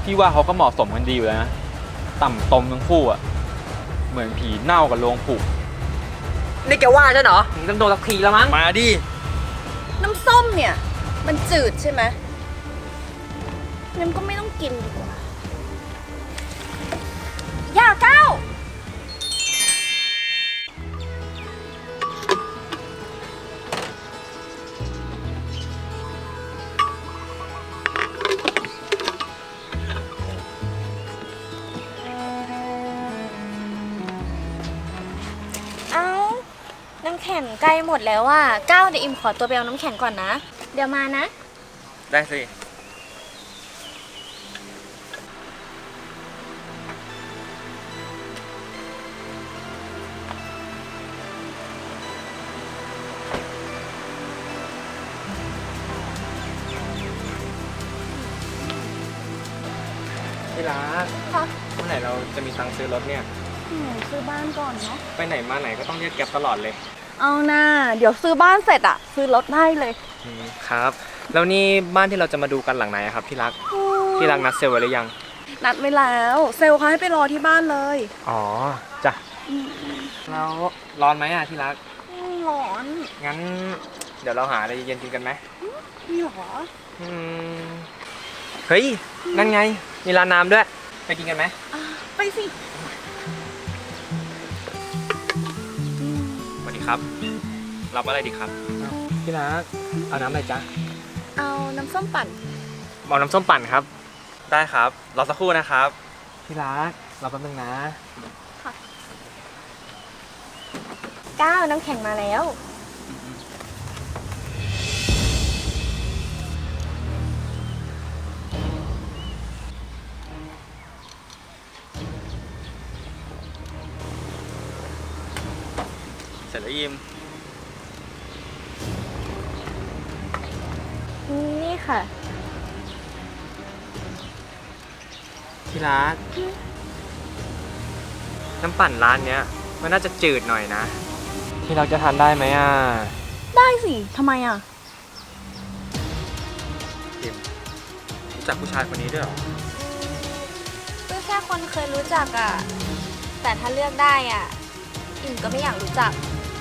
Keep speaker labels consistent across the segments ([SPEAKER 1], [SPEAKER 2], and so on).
[SPEAKER 1] พี่ว่าเขาก็เหมาะสมกันดีอยู่แล้วนะต่ำตมทั้งคู่อ่ะเหมือนผีเน่ากับโลงผุ
[SPEAKER 2] นี่แกว่าฉันเหรอต้องโดนสักทีแล้วมั้ง
[SPEAKER 1] มาดิ
[SPEAKER 3] น้ำส้มเนี่ยมันจืดใช่ไหมงั้นก็ไม่ต้องกินดีกว่าอย่าก้าวน้ำแข็งใกล้หมดแล้วอ่ะก้าวเดี๋ยวอิมขอตัวไปเอาน้ำแข็งก่อนนะเดี๋ยวมานะ
[SPEAKER 1] ได้สิที่รัก
[SPEAKER 3] ค่ะ
[SPEAKER 1] เมื่อไหร่เราจะมีตังค์ซื้อรถเนี่ย
[SPEAKER 3] ซื้อบ้านก่อนเนาะ
[SPEAKER 1] ไปไหนมาไหนก็ต้องเรียกแก๊ปตลอดเลย
[SPEAKER 3] เอานะเดี๋ยวซื้อบ้านเสร็จอะซื้อรถได้เลย
[SPEAKER 1] ครับแล้วนี่บ้านที่เราจะมาดูกันหลังไหนครับที่รักนัดเซลล์ไว้หรือยัง
[SPEAKER 3] นัดไว้แล้วเซลล์เขาให้ไปรอที่บ้านเลย
[SPEAKER 1] อ๋อจ้ะแล้วร้อนไหมอ่ะที่รัก
[SPEAKER 3] ร้อน
[SPEAKER 1] งั้นเดี๋ยวเราหาอะไรเย็นกินกันไหม
[SPEAKER 3] มีหรอ
[SPEAKER 1] เฮ้ยนั่นไงมีร้านน้ำด้วยไปกินกันไหม
[SPEAKER 3] ไปสิ
[SPEAKER 1] สวัสดีครับรับอะไรดีครับพี่รักเอาน้ำอะไรจ๊ะ
[SPEAKER 3] เอาน้ำส้มปั่น
[SPEAKER 1] เอาน้ำส้มปั่นครับได้ครับรอสักครู่นะครับพี่รักรอแป๊บนึงนะ
[SPEAKER 3] ค่ะก้าวน้ำแข็งมาแล้ว
[SPEAKER 1] เสร็จแล้วยิม
[SPEAKER 3] นี่ค่ะ
[SPEAKER 1] ที่รักน้ำปั่นร้านเนี้ยมันน่าจะจืดหน่อยนะที่เราจะทานได้ไหมอ่ะ
[SPEAKER 3] ได้สิทำไมอ่ะ
[SPEAKER 1] ยิมรู้จักผู้ชายคนนี้ด้วยหรอ
[SPEAKER 3] ก็แค่คนเคยรู้จักอ่ะแต่ถ้าเลือกได้อ่ะอิ่มก็ไม่อยากรู้จัก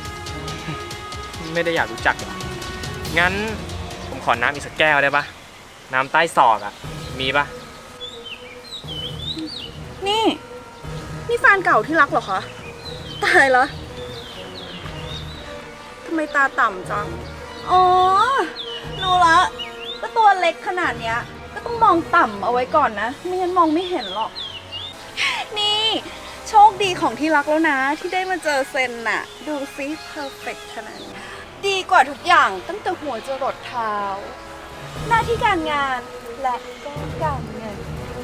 [SPEAKER 1] ไม่ได้อยากรู้จักหรองั้นผมขอน้ำอีกสักแก้วได้ปะน้ำใต้ศอกอ่ะมีปะ
[SPEAKER 3] นี่แฟนเก่าที่รักเหรอคะตายละทำไมตาต่ำจังอ๋อรู้ละก็ตัวเล็กขนาดเนี้ยก็ต้องมองต่ำเอาไว้ก่อนนะไม่งั้นมองไม่เห็นหรอกนี่โชคดีของที่รักแล้วนะที่ได้มาเจอเซนน่ะดูซิเพอร์เฟกต์ขนาดนี้ดีกว่าทุกอย่างตั้งแต่หัวจรดเท้าหน้าที่การงานและก็การเงิน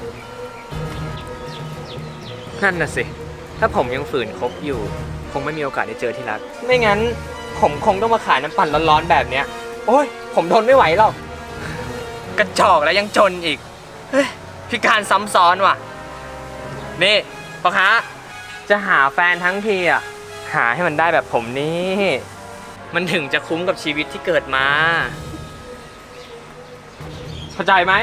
[SPEAKER 1] นั่นน่ะสิถ้าผมยังฝืนคบอยู่คงไม่มีโอกาสได้เจอที่รักไม่งั้นผมคงต้องมาขายน้ำปั่นร้อนๆแบบเนี้ยโอ้ยผมทนไม่ไหวหรอกกระจอกแล้วยังจนอีกพิการซ้ำซ้อนว่ะนี่พ่อค้าจะหาแฟนทั้งทีอ่ะหาให้มันได้แบบผมนี่มันถึงจะคุ้มกับชีวิตที่เกิดมาเข้าใจไหม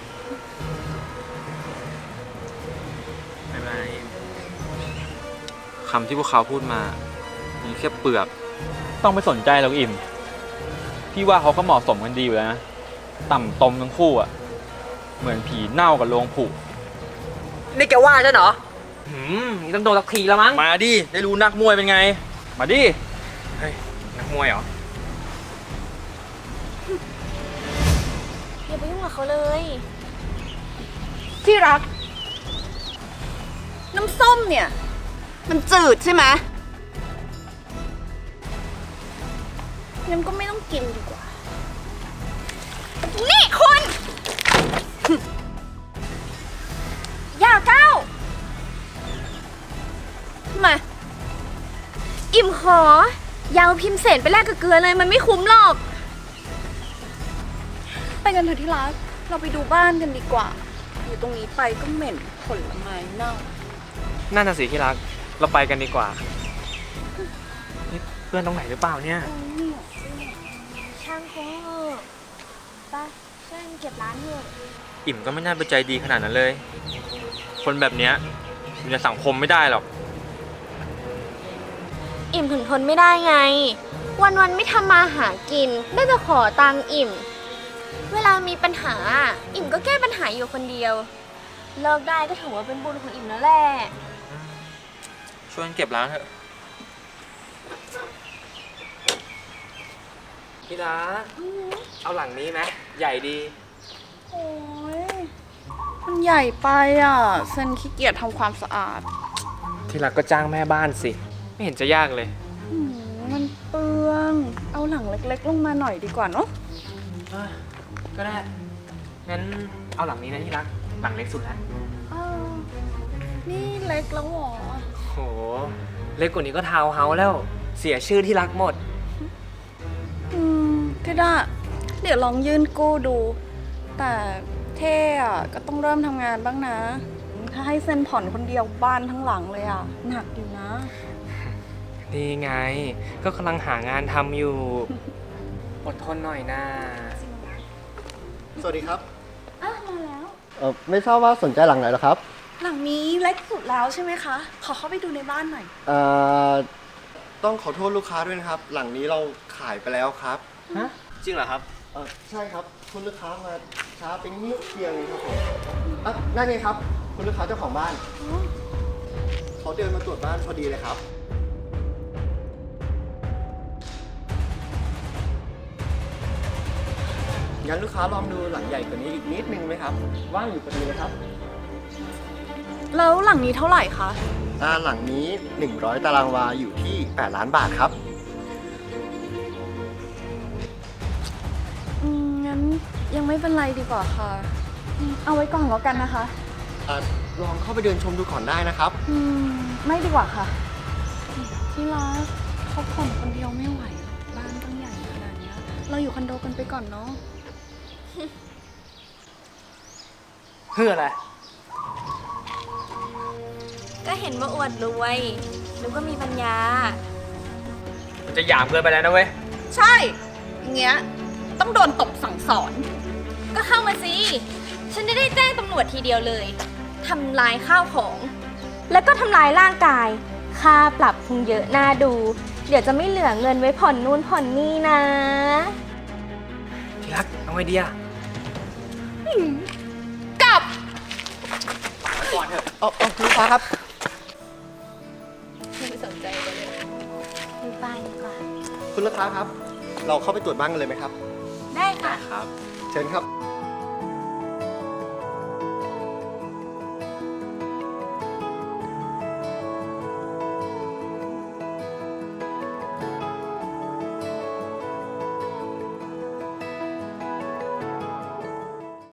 [SPEAKER 1] คำที่พวกเขาพูดมามีแค่เปลือกต้องไม่สนใจหรอกอิ่มพี่ว่าเขาก็เหมาะสมกันดีอยู่แล้วนะต่ำตมทั้งคู่อ่ะเหมือนผีเน่ากับโลงผุ
[SPEAKER 2] นี่แกว่าฉันเหรอนี่ต้องโดนสักทีแล้วมั้ง
[SPEAKER 1] มาดิได้รู้นักมวยเป็นไงมาดิเฮ้ยนักมวยเหรอ
[SPEAKER 3] อย่าไปยุ่งกับเขาเลยที่รักน้ำส้มเนี่ยมันจืดใช่ไหมงั้นก็ไม่ต้องกินดีกว่านี่คุณอย่าก้าวมาอิ่มขอยาวพิมพ์เศษไปแลกกับเกลือเลยมันไม่คุ้มหรอกไปกันเถอะที่รักเราไปดูบ้านกันดีกว่าอยู่ตรงนี้ไปก็เหม็นผลไม้เน่า
[SPEAKER 1] นั่นน่ะสิที่รักเราไปกันดีกว่านี่เพื่อนตรงไหนหรือเปล่าเนี่ย
[SPEAKER 3] ช่างเขาไปช่วยเก็บร้านเถอะ
[SPEAKER 1] อิ่มก็ไม่น่าไปใจดีขนาดนั้นเลย คนแบบเนี้ยอยู่ในสังคมไม่ได้หรอก
[SPEAKER 4] อิ่มถึงทนไม่ได้ไง วันๆไม่ทำมาหากิน ได้แต่ขอตังค์อิ่ม เวลามีปัญหา อิ่มก็แก้ปัญหาอยู่คนเดียว เลิกได้ก็ถือว่าเป็นบุญของอิ่มแล้วแหละ
[SPEAKER 1] ช่วยกันเก็บล้างเถอะ
[SPEAKER 2] พี่รักเอาหลังนี้ไหมใหญ่ดี
[SPEAKER 3] โอ้ยมันใหญ่ไปอ่ะเซนขี้เกียจทำความสะอาด
[SPEAKER 1] ที่รักก็จ้างแม่บ้านสิ ไม่เห็นจะยากเลย
[SPEAKER 3] มันเปลือง เอาหลังเล็กๆลงมาหน่อยดีกว่าเนาะ
[SPEAKER 1] ก็ได้ งั้นเอาหลังนี้นะที่รัก หลังเล็กสุดแล้ว
[SPEAKER 3] นี่เล็กแล้วเหรอ
[SPEAKER 1] โห เล็กกว่านี้ก็ทาวน์เฮาส์แล้ว เสียชื่อที่รักหมด
[SPEAKER 3] ก็ได้ เดี๋ยวลองยื่นกู้ดู แต่เท่อะก็ต้องเริ่มทำงานบ้างนะ ถ้าให้เซ็นผ่อนคนเดียวบ้านทั้งหลังเลยอะหนักอยู่นะ
[SPEAKER 1] นี่ไง ก็กำลังหางานทำอยู่ อดทนหน่อยนะ
[SPEAKER 5] สวัสดีครับ
[SPEAKER 3] อ่ะมาแล้ว
[SPEAKER 5] ไม่ทราบว่าสนใจหลังไหนเหรอครับ
[SPEAKER 3] หลังนี้เล็กสุดแล้วใช่ไหมคะ ขอเข้าไปดูในบ้านหน่อย
[SPEAKER 5] ต้องขอโทษลูกค้าด้วยนะครับ หลังนี้เราขายไปแล้วครับ
[SPEAKER 1] ฮะ จริงเหรอครับ
[SPEAKER 5] ใช่ครับ คุณลูกค้ามาช้าเป็นนิดเดียวเองครับผมนั่นไงครับ คุณลูกค้าเจ้าของบ้านเขาเดินมาตรวจบ้านพอดีเลยครับ งั้นลูกค้าลองดูหลังใหญ่กว่านี้อีกนิดนึงไหมครับ ว่างอยู่พอดีเลยครับ
[SPEAKER 3] แล้วหลังนี้เท่าไหร่คะ
[SPEAKER 5] หลังนี้ 100 ตารางวาอยู่ที่8 ล้านบาทครับ
[SPEAKER 3] งั้นยังไม่เป็นไรดีกว่าค่ะ เอาไว้ก่อนแล้วกันนะคะ
[SPEAKER 5] ลองเข้าไปเดินชมดูก่อนได้นะครับ
[SPEAKER 3] ไม่ดีกว่าค่ะ ที่รักเขาผ่อนคนเดียวไม่ไหวหรอกบ้านตั้งใหญ่ขนาดเนี้ยเราอยู่คอนโดกันไปก่อนเนาะ
[SPEAKER 1] เพื่ออะไร
[SPEAKER 4] ก็เห็นว่าอวดรวยหรือว่ามีปัญญา
[SPEAKER 1] มันจะหยามเกินไปแล้วนะเว้ย
[SPEAKER 3] ใช่ อย่างเงี้ย ต้องโดนตบสั่งสอน
[SPEAKER 4] ก็เข้ามาสิ ฉันจะได้แจ้งตำรวจทีเดียวเลย ทำลายข้าวของ แล้วก็ทำลายร่างกาย ค่าปรับคงเยอะน่าดู เดี๋ยวจะไม่เหลือเงินไว้ผ่อนนู่นผ่อนนี่นะ
[SPEAKER 1] ที่รัก เอาไงดีอะ
[SPEAKER 3] กลับ
[SPEAKER 1] ก่อนเถอะ
[SPEAKER 5] คุณลูกค้าครับ
[SPEAKER 4] ไม่สนใจเลยดูบ้านดีกว่า
[SPEAKER 5] คุณลูกค้าครับ เราเข้าไปตรวจบ้านกันเลยไหมครับ
[SPEAKER 4] ได้ค่ะ
[SPEAKER 1] ครับ
[SPEAKER 5] เชิญครับ